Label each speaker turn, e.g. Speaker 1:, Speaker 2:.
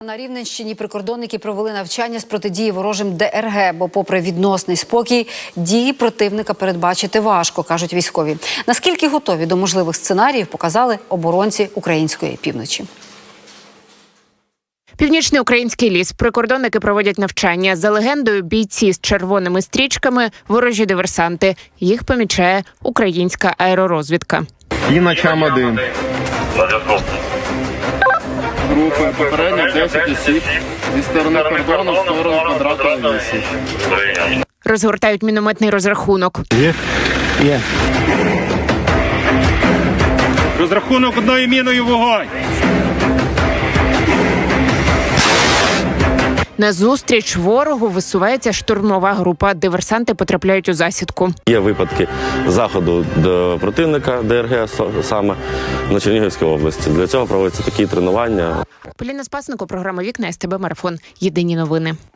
Speaker 1: На Рівненщині прикордонники провели навчання з протидії ворожим ДРГ, бо попри відносний спокій, дії противника передбачити важко, кажуть військові. Наскільки готові до можливих сценаріїв, показали оборонці української півночі.
Speaker 2: Північний український ліс. Прикордонники проводять навчання. За легендою, бійці з червоними стрічками – ворожі диверсанти. Їх помічає українська аеророзвідка.
Speaker 3: І ночам один. Групи попередньо 10 осіб зі сторони кордону в сторону квадратної вісі.
Speaker 2: Розгортають мінометний розрахунок.
Speaker 3: Є.
Speaker 4: Розрахунок одною міною вогонь.
Speaker 2: Назустріч ворогу висувається штурмова група. Диверсанти потрапляють у засідку.
Speaker 5: Є випадки заходу до противника ДРГ саме на Чернігівській області. Для цього проводяться такі тренування.
Speaker 2: Поліна Спасенко, програма «Вікна», СТБ Марафон. Єдині новини.